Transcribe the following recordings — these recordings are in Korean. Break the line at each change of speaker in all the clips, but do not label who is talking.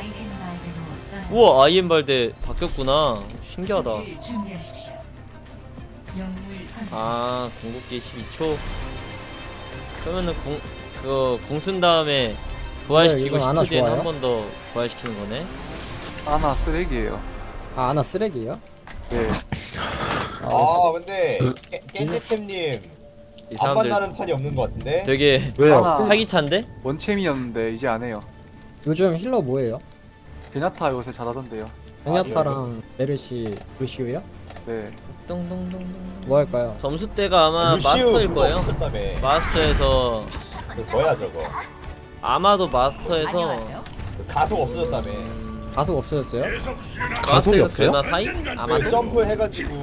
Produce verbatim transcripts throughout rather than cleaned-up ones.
우와, 아이엠발데 바뀌었구나. 신기하다. 아, 궁극기 십이 초. 그러면은 궁 그거 궁 쓴 다음에 부활시키고
네,
십 초 뒤에는 한 번 더 부활시키는 거네.
아나 쓰레기예요.
아, 아나 쓰레기예요?
네.
아 근데 깬제템님
이
안
사람들
만나는 판이 없는 것 같은데?
되게
왜요?
하나
활기찬데?
원챔이었는데 이제 안 해요.
요즘 힐러 뭐예요?
베냐타 요새 잘하던데요.
베냐타랑 메르시, 루시우요?
네.
똥똥똥똥.
뭐 할까요?
점수대가 아마
루시우
마스터일
그거
거예요.
없었다며.
마스터에서
그 뭐야 저거
아마도 마스터에서
그 가속 없어졌다며.
음,
가속 없어졌어요?
가속이
마스터에서
없어요?
그나 사이?
그
아마도?
점프 해가지고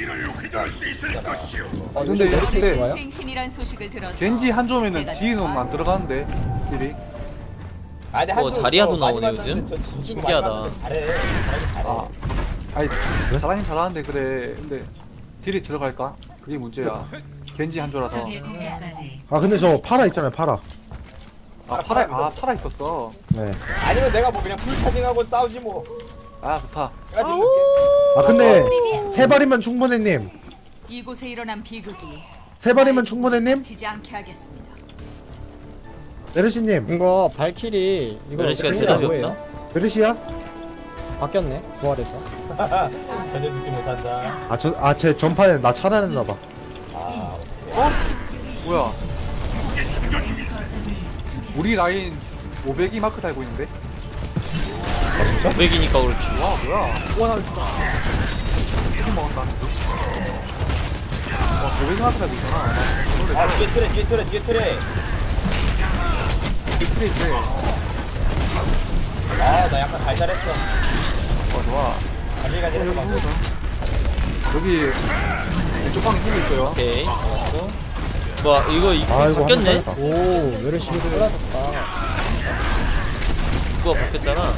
아,
근데
요즘 메르시
근데
좋아요?
생신이란 소식을 들어서
겐지 한 조면은
제가
뒤는 안 들어가는데 딜이.
아 근데
어,
한쪽
자리아도
저 많이
나오네,
봤는데
요즘?
저 친구
신기하다.
많이 봤는데 잘해. 잘하긴 잘해.
아, 아니 잘하긴 잘하는데 그래. 근데 딜이 들어갈까? 그게 문제야. 겐지 한 조라서.
아 근데 저 파라 있잖아요 파라.
아 파라 아 파라 있었어.
네.
아니면 내가 뭐 그냥 풀차징하고 싸우지 뭐.
아 좋다.
해가지고
아 근데 세 발이면 충분해 님.
이곳에 일어난 비극이
세 발이면 충분해 님.
지지 않게 하겠습니다.
메르시 님.
이거 발키리 이거
메르시가
어떻게
대답이
뭐예요?
없나?
메르시야?
바뀌었네 부활해서.
전혀 듣지 못한다.
아 저 아 제 전판에 나 차단했나 봐.
아
어? 뭐야? 우리 라인 오백이 마크 달고 있는데?
오백이니까 그렇지.
와 뭐야? 와나 진짜 조금 먹었다. 와 오백이 마크 달고 있잖아. 나
아 뒤에 트레 뒤에 트레 뒤에 트레.
스트레이트.
아나 약간 달달했어.
와 좋아.
갈리갈리했어 방금.
여기 왼쪽 방에 힘이 있어요.
오케이. 잡았고. 뭐 이거 이
아 이거
바뀌었네?
한번 잘했다.
오, 메르시 힐 빨라졌다.
그거 바뀌었잖아.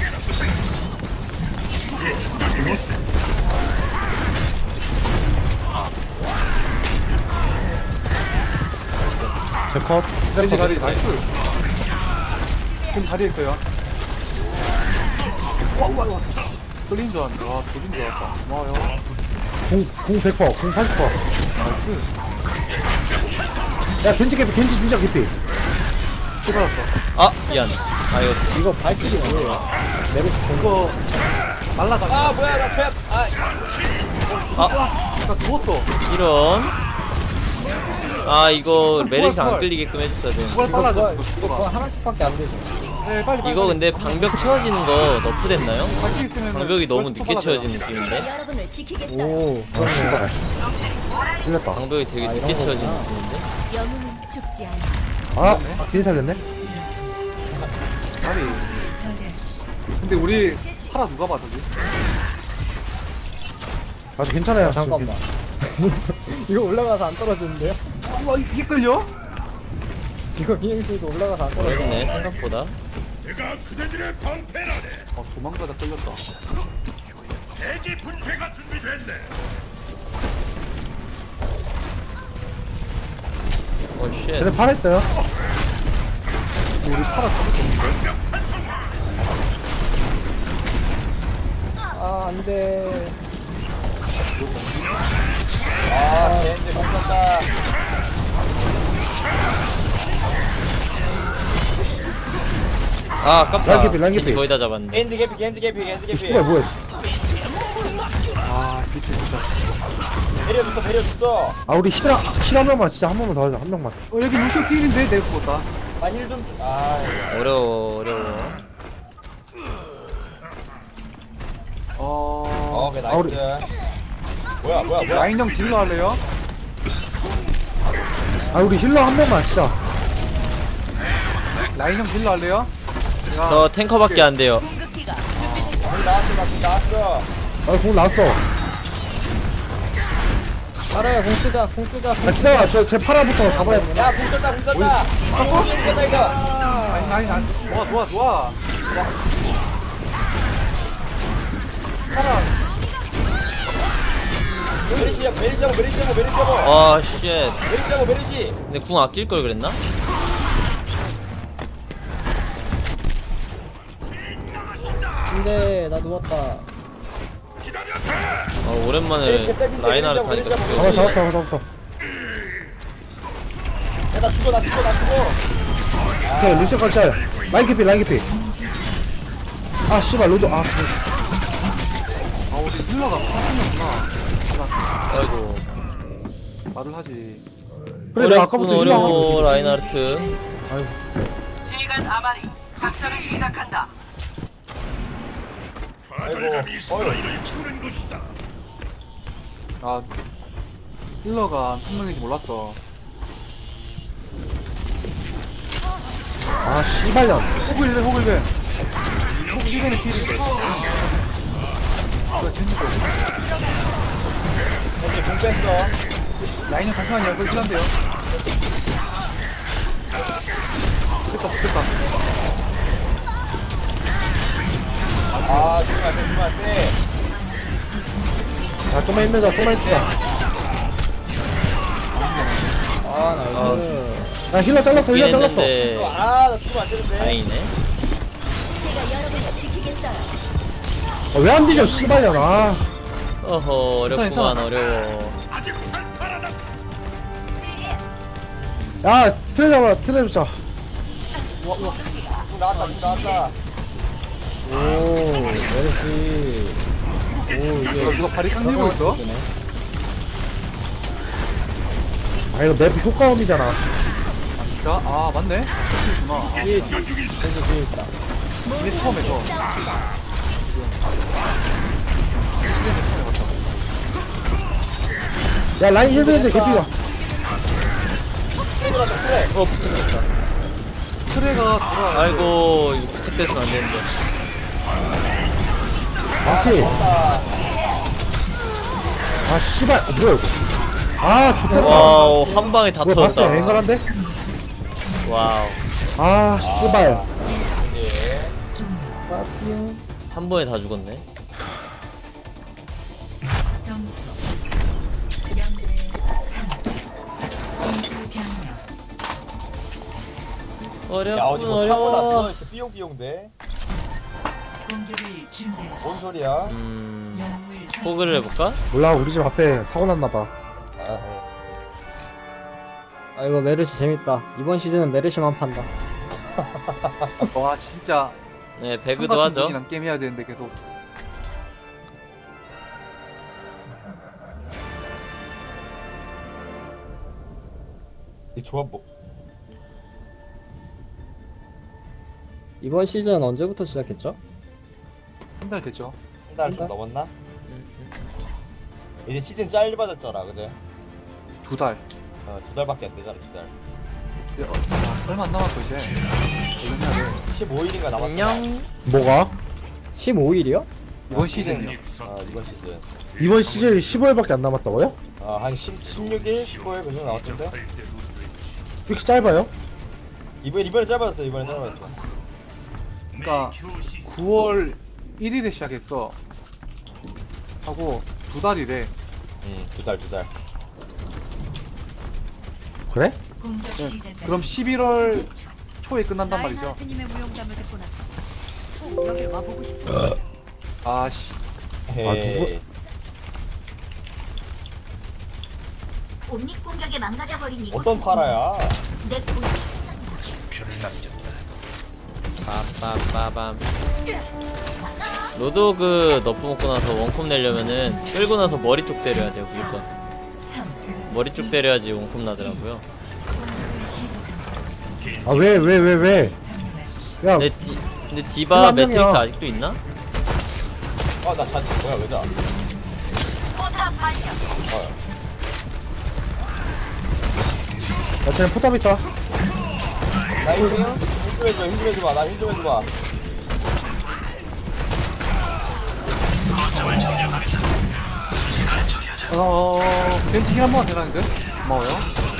제 컷.
겐지 가리 나이스. 지금 다리에 있어요. 와와 와. 뚫린 줄 알았는데 와 뚫린 줄 알았다. 고마워요.
공공 백 퍼센트 공 팔십 퍼센트.
나이스.
야 겐지 개피 겐지 진짜 개피.
뚫어졌어.
아 미안. 아 이거
이거 발키리 뭐예요? 메르시 본
이거 날라가.
아 뭐야 나 최악. 아
아
나 죽었어.
이런. 아 이거 메르시가 안
부활.
끌리게끔 해줬어야 돼.
그걸
이거
빨라져.
그거,
이거
이거
죽어라.
그거 하나씩밖에 안 되죠.
네 빨리 빨리.
이거 근데 방벽 채워지는 거 너프됐나요?
같이 있으면
방벽이 너무 늦게 채워지는 느낌인데?
여러분을 지키겠어요.
오,
아 씨발. 틀렸다.
방벽이 되게
아,
늦게
이런
채워지는
거구나.
느낌인데?
영웅은 죽지 않아.
아 겐지 살렸네.
아니. 근데 우리 파라 누가 봐 저기?
아주 괜찮아요.
아, 잠깐만. 이거 올라가서 안 떨어지는데요?
와 이게 끌려?
이거 비행수도 올라가서 안 떨어져.
어렵네 생각보다.
아 도망가다 끌렸다.
어 쉣.
쟤네 파라 있어요.
우리 파라 잡을 수 없는데?
아, 안 돼.
아 겐지 못 썼다.
아 아깝다.
라인 개피, 라인 개피.
겐지 거의 다 잡았네.
겐지 개피 겐지 개피 겐지
이
개피.
씨발 뭐야?
아 빛이 진짜.
배려줬어 배려줬어.
아 우리 힐 힐 한 명만 진짜 한 번만 더 하자 한 명만.
어 여기 루시오 팀인데 내가 죽었다.
아힐좀아
어려워 어려워.
어...
오케이
아, 우리-
나이스. 뭐야 뭐야 뭐야.
라인 형 딜러 할래요?
아 우리 힐러 한 명만 진짜.
라인 형 딜러 할래요? 야,
저 탱커밖에 안 돼요.
공격기가
공 나왔어 나공 나왔어.
아공 나왔어.
알아요, 공 쓰자, 공 쓰자. 공
아 기다려 저제 파라부터 잡아야 돼.
야공 썼다 공 썼다. 공 썼다 이거.
라인 라인 안 좋아 좋아 좋아. 파라
메리시야 메리시 잡아 메리시 잡아 메리시 잡아.
아 쉣.
메리시 잡아 메리시.
근데 궁 아낄 걸 그랬나?
안돼 나 누웠다.
어, 오랜만에 라인하르트 하니까
잡아
좋네.
잡았어 잡았어 잡았어.
야나 죽어 나 죽어 나 죽어.
오케이 루시오 컷짤. 라인 깊이 라인 깊이. 아 씨발 로드 아
아 우리 힐러가 사슴이었구나.
아이고
말을 하지.
그래 내가 아까부터 힐러 하고
어려워 라인하르트.
아이고
아이고 어이
아 힐러가 한 명인지 몰랐어.
아 씨발년.
호글베 호글베. 호글베는 필인데. 이거 진짜.
현재 공 뺐어.
라인은 잠시만요. 이거 힐한데요. 됐다 됐다.
아 죽으면 안돼 죽으면 안돼.
야 좀만 힘내자 좀만 힘내자.
아 나이스.
야 힐러 잘랐어 힐러 잘랐어.
했는데
아나 죽으면 안 되는데.
다행이네.
제가 여러분을 지키겠어요.
아, 왜 안 뒤져 씨발년. 아
어허 어렵구만
괜찮아.
어려워.
야 트레 잡아 트레 잡자.
죽 나왔다 죽 나왔다.
오 메르시. 오 이게
이거 누가 발이 깡 들고 있어?
아 이거 맵 효과음이잖아.
진짜? 아 맞네. 그렇구나.
뒤에 펜스 뒤에 있다.
이게 처음에서.
야 라인 힐베인데 개피가.
어 부착했다.
트레가 돌아.
아이고 이거 부착됐으면 안 되는데.
맞지? 아 씨발 어, 뭐야 이거. 아 좋다.
와우 한 방에 다
뭐야 봤어
터졌다.
앵글한데?
와우
아 씨발.
한 번에 다 죽었네.
점수 영대
야 어디
어렵군
뭐 사고 났어.
어려워.
이렇게 삐용삐용돼.
공격을 준비하십시오.
뭔 소리야?
음
영웅을 사-
포그를 해볼까?
몰라 우리 집 앞에 사고 났나봐.
아,
아 이거 메르시 재밌다. 이번 시즌은 메르시만 판다.
와 진짜.
네
형
배그도
같은
하죠.
분이랑 게임 해야 되는데 계속.
이 조합 뭐?
이번 시즌 언제부터 시작했죠?
한 달 됐죠.
한 달 좀 넘었나?
음, 음.
이제 시즌 짧아졌잖아, 그제?
두 달.
어, 두 달밖에 안 되잖아, 두 달.
이제 어, 아, 얼마 안 남았어 이제. 얼마 해야 돼.
십오 일인가 남았어.
안녕.
뭐가?
십오 일이요?
이번 시즌이요.
어, 이번 시즌.
이번 시즌이 십오 일밖에 안 남았다고요?
어, 한 십, 십육 일, 십오 일 그 정도 남았던데?
왜 이렇게 짧아요?
이번 이번에 짧아졌어, 이번에 짧아졌어.
그러니까 구월 일일에 시작했어. 하고 두 달이래.
응, 두 달, 두 달.
그래?
공격 시작.
그럼 십일월 초에 끝난단 말이죠.
라인하르트님의 무용담을 듣고 나서 여기 와보고 싶어.
아씨.
헤이.
옴닉 공격에 망가져버린 이곳.
어떤 파라야?
내 공격.
빠빠빠밤. 로드오그 너프 먹고 나서 원콤 내려면은 끌고 나서 머리 쪽 때려야 돼요 무조건. 머리 쪽 때려야지 원콤 나더라고요.
아 왜 왜 왜 왜? 야
근데, 디, 근데
힐러
디바
한
매트릭스
명이야.
아직도 있나?
아, 나 잔치 뭐야, 왜 자?
야 쟤네 포탑 있다.
나 힘, 힘좀 해줘, 힘좀 해줘봐, 나 힘 좀 해줘봐.
어 벤치 힐한 번만 대라는데? 고마워요.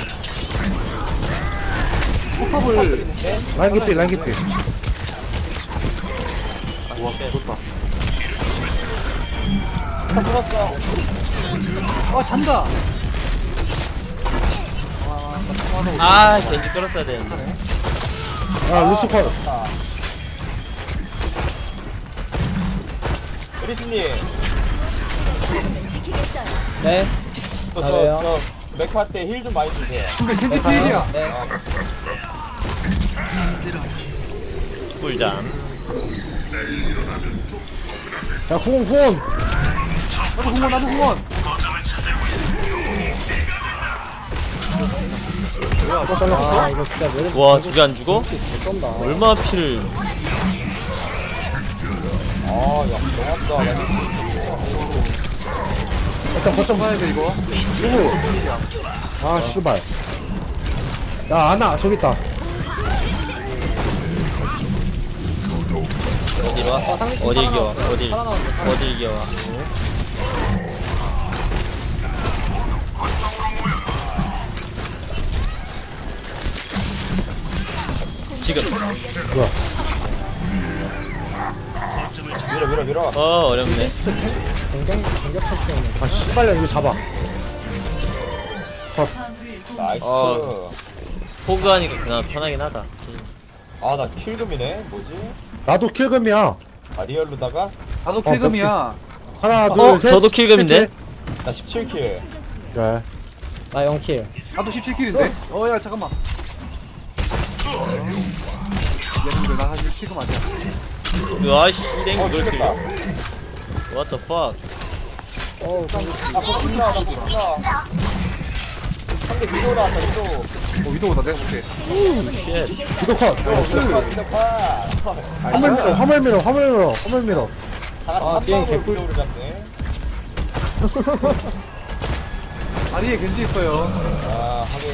포탑을.
라인 깊이 라인 깊이.
와 좋다.
다 풀었어.
아 잔다.
아 겐지 끌었어야 되는데.
아 루시퍼.
에리스님
네.
저,
아,
저,
왜요?
저 메카 때 힐 좀 많이 주세요.
근데 겐지 필이야.
네.
꿀잠.
야 후원 후원.
나도 공원 나도 공원.
아 이거 진짜 왜
와 저게 안 죽어?
쏜다.
얼마나 피를.
아, 야, 너무하다. 나
일단 거점
봐야 돼 이거.
아 씨발. 야 아나 저기 있다.
어디로 와? 어디 이겨와? 어디
살아나왔네.
어디 이겨와? 지금.
밀어, 밀어, 밀어.
어 어렵네.
굉장히 공격 설정이네.
아 씨발년 이거 잡아.
나이스.
어. 포그하니까 그나마 편하긴 하다.
아, 나 킬금이네. 뭐지?
나도 킬금이야.
아, 리얼로다가?
나도 필금이야.
하나
어?
둘 셋.
저도 킬금인데?
나 십칠 킬.
그래.
나 영 킬.
나도 십칠 킬인데. 어야 잠깐만. 얘는데 나 사실 필금 아니야.
아이씨 땡
어,
이걸
죽겠다.
킬려. What the fuck?
어우
나 폭풍나, 나 폭풍나. 상대 위도 나왔다, 위도.
어 위도우다 내가 볼게.
쉣.
이거 컷.
위도 파, 위도 파.
화물 밀어 화물 밀어 화물 밀어 화물 밀어.
다 같이
아,
한
게임
방으로
개꿀.
위도를 잡네.
아리에 겐지 있어요.
아, 하긴.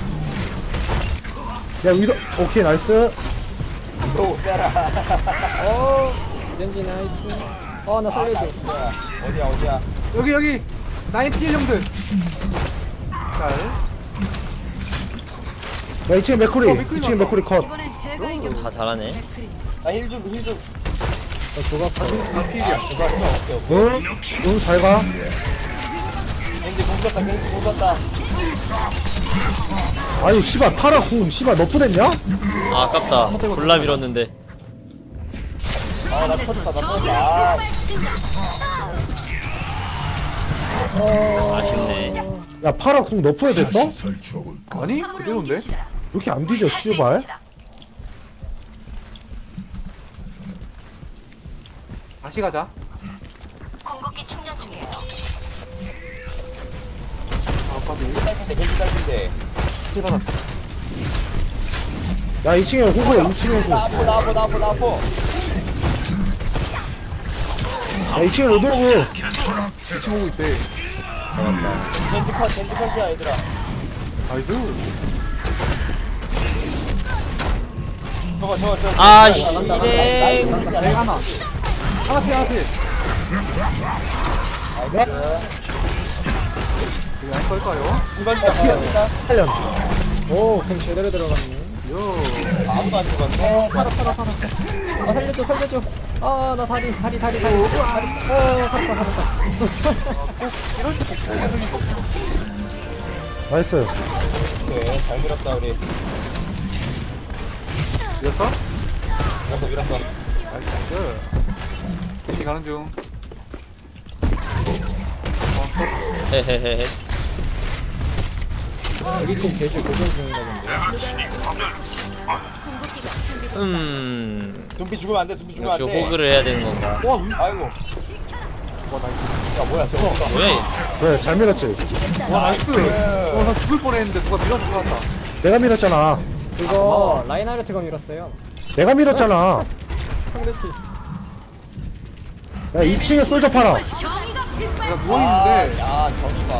야 위도 오케이 나이스.
위도 빼라.
어. 젠지 나이스. 어나 살려줘.
야, 어디야, 어디야.
여기 여기 나인 필 형들. 잘.
야 이층에 맥쿠리
어, 맥크리
이층에
나왔다.
맥쿠리 컷.
이번엔 제가 이겨.
다 잘하네.
나 힐 좀, 힐 좀.
저 죽었어.
나 필이야.
제발, 오케이, 오케이.
응? 응 잘가.
겐지 공 썼다, 겐지 공 썼다.
아유 씨발 파라 궁 씨발 너프 됐냐?
아 아깝다. 골라 밀었는데.
아, 나 터졌다, 나 터졌다. 아,
아쉽네.
야 파라 궁 너프에 됐어? 왜
아니 그대로인데?
이렇게 안 뒤져 씨발?
다시 가자.
공격기 충전 중이에요.
아 까비.
딸긴데, 겐지 딸긴데.
필 받았어.
야 이층에 호구 이층에 호구.
나 아포, 나 아포, 나 아포, 나 아포.
야 이층에 로드로그.
같이 보고 있대.
겐지 컷, 겐지 컷이야, 얘들아.
나이스.
저거, 저거, 저거.
아,
나이스,
씨,
나이스,
네.
나이스, 나이스,
내가
나이스.
하나. 하나 필 하나 필.
나이스.
이거 안 걸까요?
이건 다 피었다.
살련.
오 그럼 제대로 들어갔네.
요.
아무도 안 죽었네.
살아 살아 살아. 아 살려줘 살려줘. 아 나 다리 다리 다리 다리. 다리. 어 살았다 살았다.
이럴 때 복수해야 거.
나이스.
오케이, 잘 밀었다, 우리.
이겼어?
밀었어, 밀었어.
나이스 나이스. 다시 가는 중.
헤헤헤헤.
여기 좀 개주 고정 중인가 본데.
공격기가 준비됐어.
음.
둠비 죽으면 안 돼, 둠비 죽으면
역시
안 돼.
호그를 해야 되는 건가?
아이고. 야, 뭐야, 저거.
뭐야 얘?
그래 잘 밀었지.
와 나이스. 어, 나 죽을 뻔했는데 누가 밀어서 살았다.
내가 밀었잖아.
그거 라인하르트가 밀었어요.
내가 밀었잖아.
상대팀.
야 이층에 솔져 팔아.
정의가
내가
아,
누워있는데.
야, 저기다.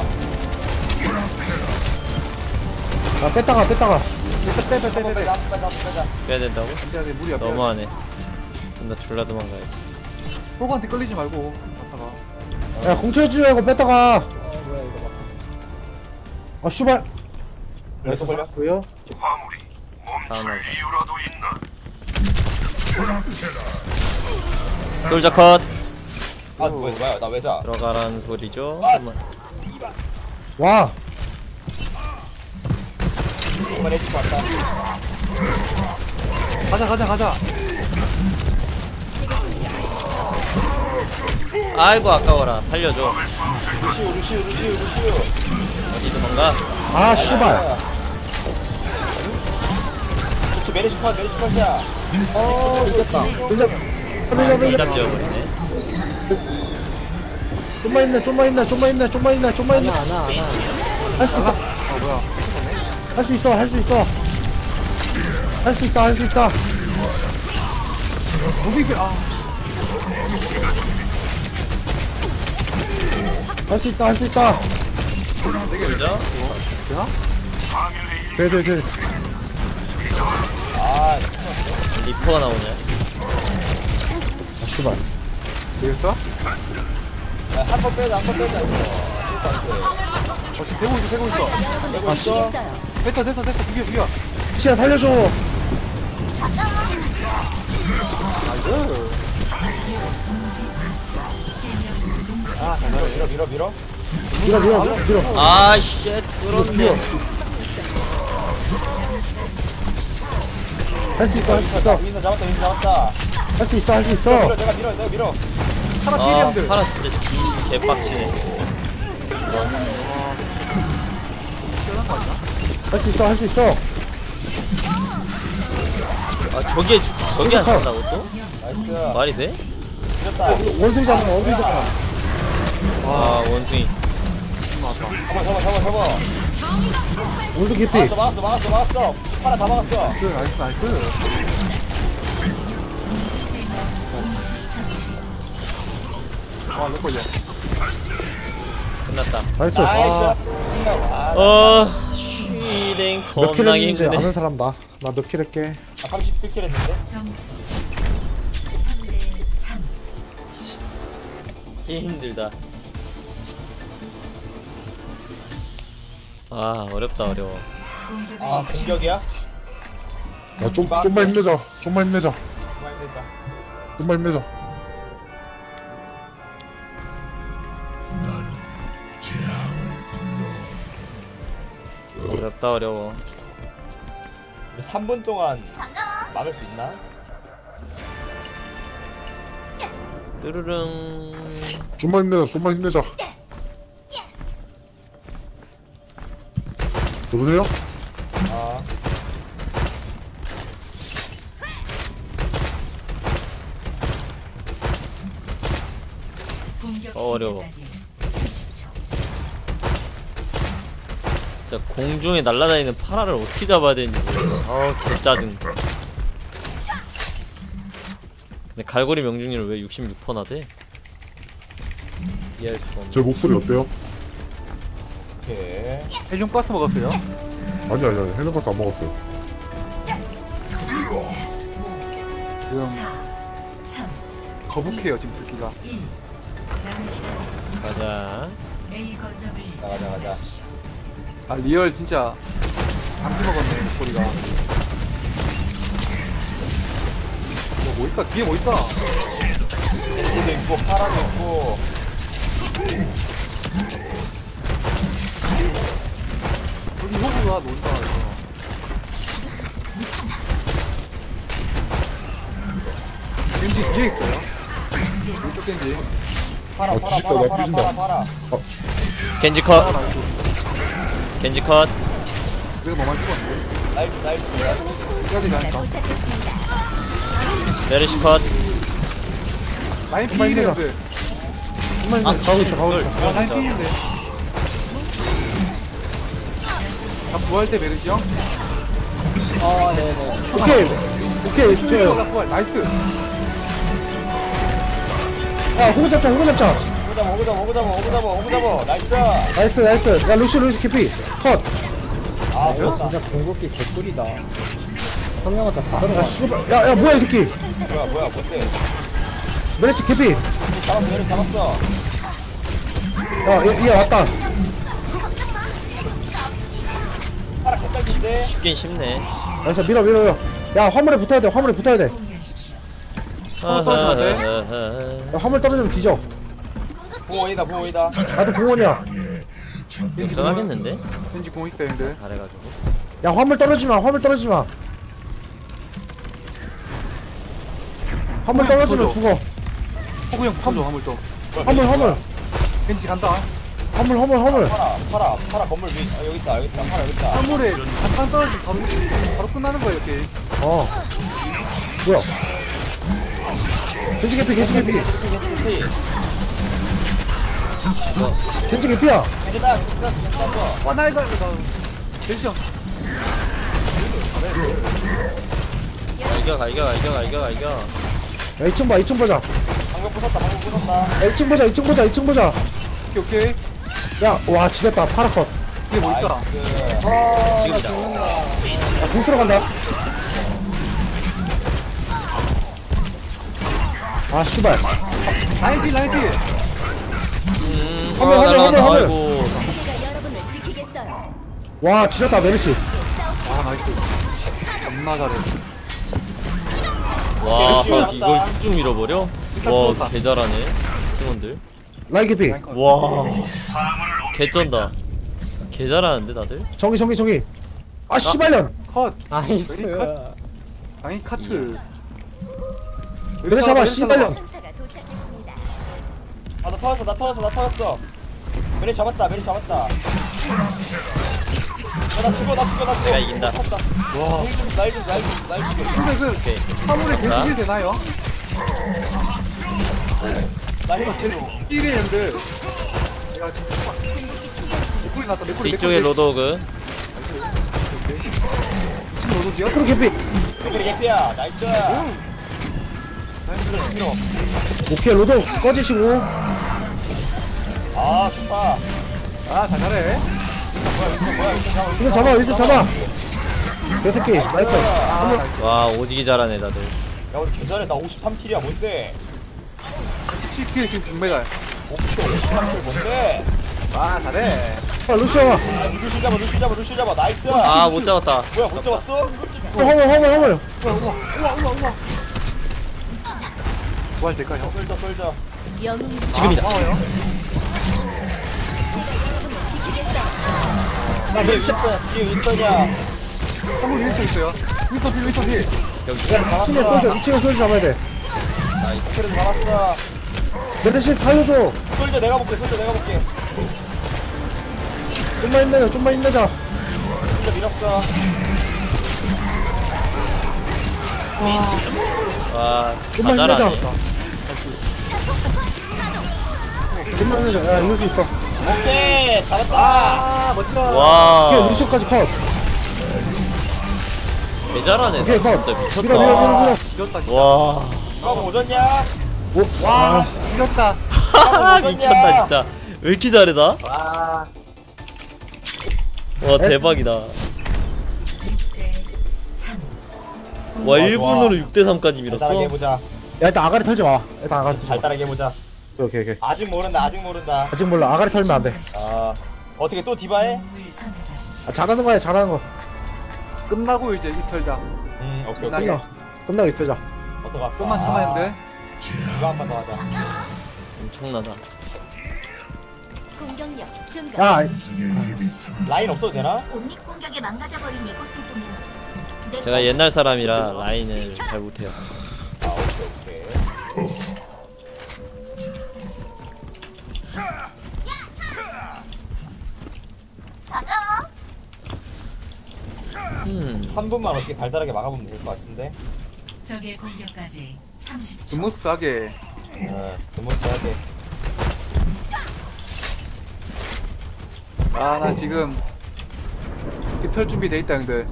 야 뺐다가 뺐다가.
한번 빼자, 한번 빼자, 한번 빼자.
빼야 된다고?
진짜 내 무리야.
너무하네. 나 졸라 도망가야지.
호구한테 끌리지 말고. 갔다가.
야 공쳐주지 말고 뺐다가.
어 뭐야 이거 막혔어.
아 슈발.
그래서 걸려?
왜요?
다음 날. 솔저 컷.
아, 뭐야, 뭐야, 나 왜 자?
들어가라는 소리죠.
아.
한번.
와.
정말 해줄 것 같다.
가자 가자 가자.
아이고 아까워라. 살려줘.
루시우 루시우 루시우 루시우.
어디 도망가?
아 씨발.
그렇지 메리시 컷 메리시 컷이야.
어 이겼다.
밀자. 밀자 밀자.
일단 지어버리네.
좀만 힘내 좀만 힘내 좀만 힘내 좀만 힘내 좀만 힘내.
안아 안아 안아.
할 수 있어.
아 뭐야?
할 수 있어 할 수 있어. 할 수 있다 할 수 있다.
무빙 아.
할 수 있다 할 수 있다.
그죠?
되나?
돼돼 돼.
아
리퍼가 나오네.
아 씨발.
되겠어?
한번 빼자 한번 빼자.
어 지금 되고 있어 되고 있어.
되고 있어.
됐다 됐다 됐다 비겨 비겨.
시야 살려줘.
아 잘하네.
밀어 밀어 밀어.
밀어 밀어 밀어 밀어.
아 쉣. 그렇네.
할 수 있어 할 수 있어
윈서 잡았다 윈서 잡았다.
할 수 있어 할 수
밀어
있어.
내가 밀어 내가 밀어.
하나
아
튀겼는데.
파라 진짜 진심 개빡치네.
할 수 있어 할 수 있어.
아 저게 저게 안 산다고 또?
나이스.
말이 돼?
밀었다.
원숭이 잡아 원숭이 잡아.
아 원숭이.
잡아 잡아 잡아 잡아.
원숭이 개피.
막았어 막았어 막았어 막았어. 하나 다 막았어.
나이스 나이스 나이스. 아 렉 걸려.
끝났다.
나이스.
나이스. 아,
어 쉬댕
몇 킬
겁나게
했는지
힘드네.
아는 사람 나. 나 몇 킬 했게.
아 삼십칠 킬 했는데.
점수 삼 대 삼.
게 힘들다. 아 어렵다 어려워.
아 공격이야?
야, 좀, 좀만 힘내자. 좀만 힘내자.
많이 됐다.
좀만 힘내자.
어렵다 어려워.
우리 삼 분 동안 막을 수 있나?
뚜루릉.
좀만 힘내자. 좀만 힘내자. 여보세요?
아
공격
어, 어려워.
시작까지
진짜 공중에 날아다니는 파라를 어떻게 잡아야 되는지 모르겠어. 아 개짜증. 근데 갈고리 명중률 왜 육십육 퍼센트나 돼? 이해할 수가 없네.
제 목소리 어때요?
오케이.
헬륨 가스 먹었어요?
아니 아니 아니 헬멧가스 안 먹었어요.
지금
삼,
거북해요 지금 불기가.
일. 남은 시간
가자.
A 거점을
가자 가자.
아 리얼 진짜 감기 먹었네 목소리가. 뭐, 뭐 있다 뒤에 뭐 있다.
도 있고 파라도 있고.
여기 호구가 논다 이거. 겐지 뒤에 있어요. 왼쪽 겐지.
파라
아,
파라
뒤집다,
파라
나
파라
뒤진다.
파라 파라.
겐지
아
컷.
나이스.
겐지 컷.
그래도 뭐만 찍었는데.
나이스 나이스.
여기까지 가니까.
메르시 컷.
라인
정말
피인데.
좀만
아
힘내. 가고 있어 가고
이걸
있어.
아 라인 피인데. 다 부활 때 메르시 형.
아 네네.
오케이 오케이
저
저.
부활 나이스.
아 호구 잡자 호구 잡자.
오구 잡아 오구 잡아 오구 잡아 오구 잡아 오구 잡아. 나이스.
나이스 나이스. 야 루시 루시 캐피 컷.
아
이거
좋다.
진짜 궁극기 개꿀이다. 선명하다 다
야
들어가.
씨발. 야야 뭐야 이 새끼.
뭐야 뭐야 뭔데?
메르시 캐피.
잡았어 얘를 잡았어.
야얘 얘 왔다.
파라 개딸인데.
쉽긴 쉽네.
나이스 밀어 밀어 밀어. 야 화물에 붙어야 돼 화물에 붙어야 돼.
어, 떨어져야 돼?
아하하하.
야 화물 떨어지면 뒤져.
부호이다 부호이다.
나도 공원이야.
걱정하겠는데?
겐지 공 있어요 근데.
잘해가지고.
야 화물 떨어지마 화물 떨어지마. 화물 떨어지면 죽어.
호구 형 푸줘 화물 좀.
화물 화물
겐지 간다.
화물 화물 화물.
파라 파라 파라 건물 위 아, 여기 있다 여기 있다 파라 여기 있다.
화물에 한판 떨어지면 바로 바로 끝나는 거예요 게임.
어 뭐야 겐지 개피 겐지 개피 겐지 개피야.
괜찮아 괜찮아 괜찮아.
와나 이거 이거 겐지 형.
이겨 가 이겨 가 이겨 가 이겨 가 이겨.
야 이 층 봐 이 층 보자.
방금 부쉈다 방금 부쉈다.
야 이 층 보자 이 층 보자 이 층 보자.
오케이 오케이.
야와 지렸다 파라컷.
이게 뭐 있다.
나이스.
지금이다.
야 공수로 간다. 아 씨발.
라인티 라인티.
음.
화물,
아,
화물,
날아간다.
화물,
아이고.
제가 여러분을 지키겠어요.
와 지렸다 메르시.
아 나이스. 겁나 잘해.
와
그렇지,
이걸
맞다.
쭉 밀어버려?
일단
와
뚫었다.
개잘하네 팀원들.
라인 개피.
와 개쩐다. 개잘하는데 다들?
정기 정기 정기. 아 씨발년.
컷.
나이스.
당연히 카트.
그래 잡아 씨발년.
천사가 도착했습니다.
아나 터졌어 나 터졌어 나 터졌어. 메리 잡았다 메리 잡았다. 야나 죽어 나 죽어 나 죽어.
내가 이긴다.
와.
날좀날좀날좀날 죽여.
근데 그
오케이.
화물에
자.
겐지 되나요?
나 힘을 줘.
힐이는데. 내가 맥콜이 났다 맥콜이
뒤쪽에 로드오그.
지금 로드지요?
프로 개피.
메리 개피야 나이스.
오케이 로드 꺼지시고.
아 좋다.
아잘 잘해.
이거 잡아 이거 잡아. 개새끼 나이스.
와 오지기 잘하네 다들.
야 우리 개잘해 나 오십삼 킬이야 뭔데?
십칠 킬 지금 금메달.
오십삼 킬 뭔데?
아 잘해.
야 루시아.
아 루시 잡아 루시 잡아 루시 잡아 나이스.
아 못 잡았다.
뭐야 못 잡았어?
화물 화물 화물.
뭐 할 때까 형?
쏠져 쏠져.
영웅이
지금이다.
고마워요.
제가 여러분을 지키겠어요.
나왜 윈스턴 뒤에 윈스턴이야.
한국 윈스터 있어요. 윈스터 힐 윈스터 힐.
여기.
이 층에 솔져 이 층에 솔져 잡아야 돼.
그래도 잡았어.
메르시 살려줘.
쏠져 내가 볼게 쏠져 내가 볼게.
좀만 힘내자 좀만 힘내자.
쏠져 밀었어.
와
좀만
다
힘내자.
잘하네.
좀만 힘내자. 야 이길 수 있어.
오케이 잡았다.
아 멋지다.
와
오케이 루시오까지 컷.
개잘하네.
오케이 컷.
진짜
밀어 밀어
미쳤다.
밀어 밀어.
이겼다. 진짜.
와
형 오졌냐?
오,
와
와.
이겼다.
미쳤다 진짜. 왜 이렇게 잘해 나?
와.
와 대박이다. 와 일 분으로 육 대 삼까지 밀었어.
달달하게 해보자.
야 일단 아가리 털지 마. 일단 아가리 털지 마.
달달하게 해보자.
오케이 오케이.
아직 모른다 아직 모른다.
아직 몰라. 아가리 털면 안 돼.
아 어떻게 또 디바해?
아, 잘하는 거야 잘하는 거.
끝나고 이제 이털자.
음 오케이
끝나게.
끝나. 끝나고 있자.
어떡하?
좀만 참아야 돼.
이거 한 번 더 하자.
엄청나다.
공격력 증가.
야
라인 없어도 되나?
옴닉 공격에 망가져버린 이곳을 보면 내
제가 옛날 사람이라 라인을 잘 못해요.
아 오케이 오케이.
음.
삼 분만 어떻게 달달하게 막아보면 될 것 같은데.
적의 공격까지 삼십 초.
스무스하게.
어 스무스하게.
아 나 지금 이털 준비 돼 있다 형들.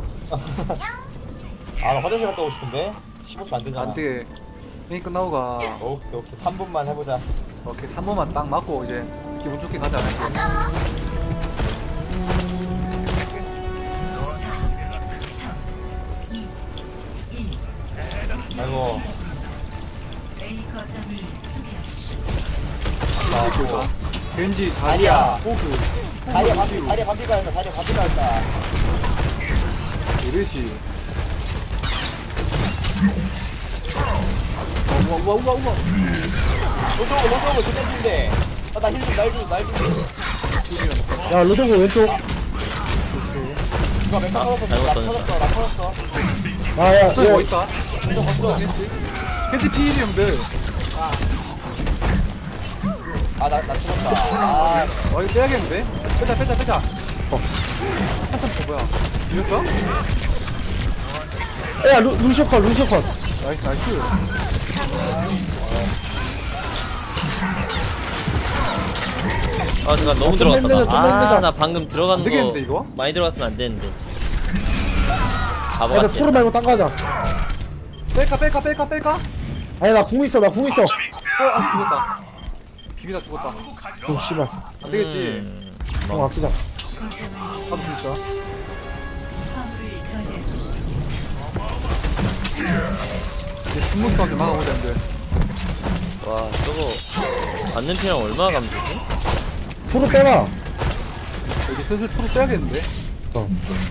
아나 화장실 갔다 오고 싶은데 십오 초 안 되잖아.
안돼. 게임 끝나고 가.
오케이 오케이 삼 분만 해보자.
오케이 삼 번만 딱 맞고 이제 기분 좋게 가자.
아이고.
A 거점을 수비하십시오.
아이고.
겐지
다리야.
자리야. 호그.
다리야 반피 다리야 반피 가야 다리야 반피 가야
이르시. 우와 우와 우와 우와.
로드오고 로드오고 조tem인데. 아나 힐 좀 날 좀 날 좀.
야 루도고 왼쪽.
누가 멘탈
아,
터졌어.
잘못
나
던졌다.
터졌어 나 터졌어.
아야
뭐
야.
있다?
던져 던져.
겐지 피일이 형들.
아나 나 죽었다. 아
어 이거 빼야겠는데? 빼자 빼자 빼자. 어. 한참 더 뭐야? 이겼어?
야 루, 루시오 컷 루시오 컷.
나이스 나이스.
아 잠깐 너무
아, 좀 힘들죠,
들어갔다.
좀
아
힘들죠.
나 방금 들어간
안
거
되겠는데, 이거?
많이 들어갔으면 안 되는데.
야
바보같이.
토르 말고 딴 거 하자.
뺄까 뺄까 뺄까 뺄까?
아니 나 궁 있어 나 궁 있어.
어아 죽었다. 비비다 죽었다.
어 씨발.
안 되겠지.
음,
궁 아끼자.
나도 진짜.
화물을 저지하십시오.
이제 스무스하게 막아보자 이제.
와 저거 맞는 피랑 얼마나 가면 되지?
토르 빼봐.
여기 슬슬 프로 빼야겠는데?
어.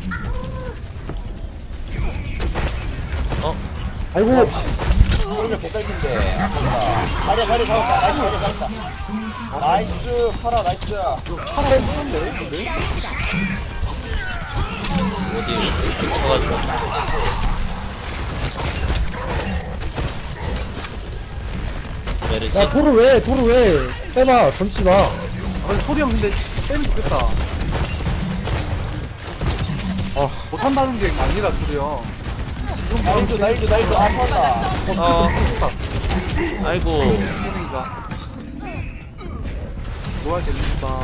어?
아이고
그러면 개딸긴데. 자리야 자리 잡았다. 나이스 자리 잡았다. 나이스 파라 나이스.
하나 했는데? 근데?
어디 쳐가지고. 메르시.
야 토르 왜 토르 왜 빼봐 던지지 마.
아 소리 형 근데 빼면 좋겠다.
아
못한다는 게 아니라 소리 형.
나이스 나이스 나이스. 아 터졌다.
어. 아이고.
선생이가 뭐할 됩니까?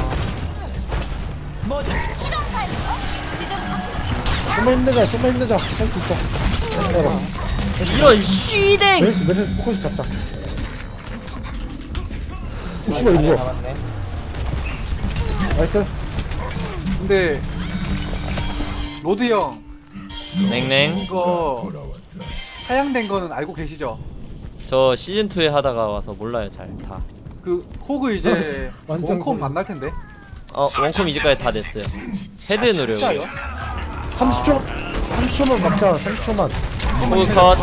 좀만 힘내자 좀만 힘내자 할 수 있어. 빼봐.
이런 쉬댕.
메르시 메르시 포커스 잡자. 오 씨발 이거 뭐야.
잡았네.
나이스.
근데 로드 형
냉냉.
이거 하향된 거는 알고 계시죠?
저 시즌 투에 하다가 와서 몰라요 잘 다.
그 호그 이제
완전
원콤
고민.
안 날 텐데.
어 원콤 이제까지 다 됐어요. 헤드 노력.
진짜요?
삼십 초 삼십 초만 막자 삼십 초만.
호그 컷.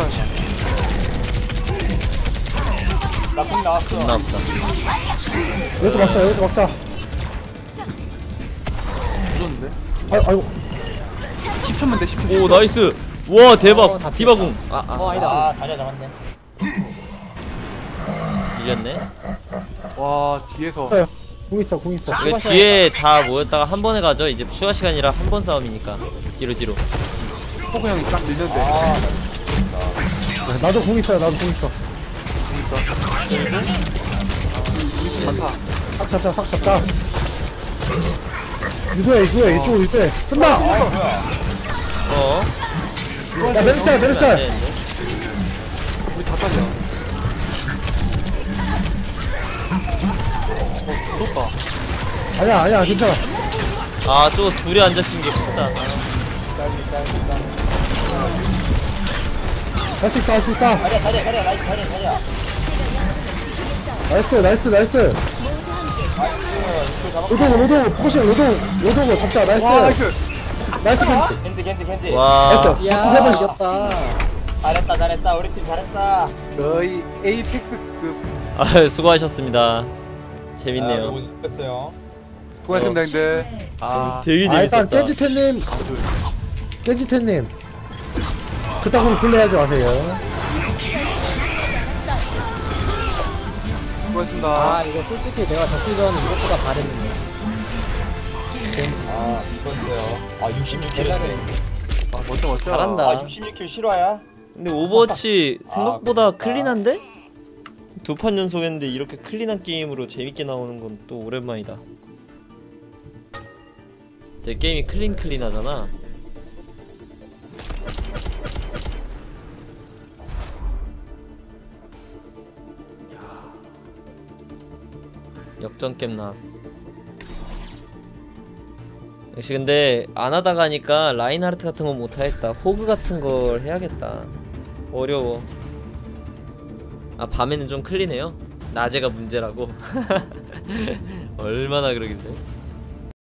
나쁜 나왔어.
존나 아프다.
여기서 막자 여기서 막자.
무서운데?
아 아이고
십 초면 돼 십 초.
오 나이스. 와 대박.
어, 다
디바궁. 아
어
아.
아니다.
아 자리야 잡았네.
밀렸네.
와 뒤에서
궁 있어 궁 있어.
이거 뒤에 다 모였다가 한 번에 가죠. 이제 추가 시간이라 한 번 싸움이니까. 뒤로 뒤로.
호그 형이 딱 밀는데.
아
야, 나도 궁 있어요 나도 궁 있어.
많다.
싹 잡자 싹 잡자. 유도야 유도야 이쪽으로 유도해. 쓴다.
어.
야 메르시야 메르시야.
안 되는데.
우리 다 따져. 어 죽었다.
아니야 아니야 괜찮아.
아 저거 둘이 앉아있는 게 크다.
할 수 있다 할 수 있다.
자리야 자리야 자리야 나이스 자리야 자리야.
나이스 나이스 나이스.
나이스. 이거 잡았고.
로동 로동 포커싱 로동 로동 잡자 나이스.
와 나이스.
나이스 캔.
겐지 겐지 겐지.
와.
됐어. 박수
야
세번
이겼다.
잘했다 잘했다 우리 팀 잘했다.
거의 에이펙스급.
아 수고하셨습니다.
아,
재밌네요.
너무 수고했어요.
수고하셨습니다 형들. 아
되게
아 일단
재밌었다.
깨지태님 깨지태님 그따구로 플레이하지 마세요.
수고하셨습니다.
아 이거 솔직히 내가 적기 전에 이것보다 잘했는데.
아 수고했어요. 아 육십육 킬.
대단해.
아, 멋져 멋져.
잘한다.
아 육십육 킬 실화야?
근데 오버워치 생각보다
아,
클린한데? 두 판 연속했는데 이렇게 클린한 게임으로 재밌게 나오는 건 또 오랜만이다. 내 게임이 클린 클린하잖아. 역전 게임 나왔어. 역시 근데 안 하다가 하니까 라인하르트 같은 건 못하겠다. 호그 같은 걸 해야겠다. 어려워. 아 밤에는 좀 클린해요? 낮에가 문제라고? 얼마나 그러길래?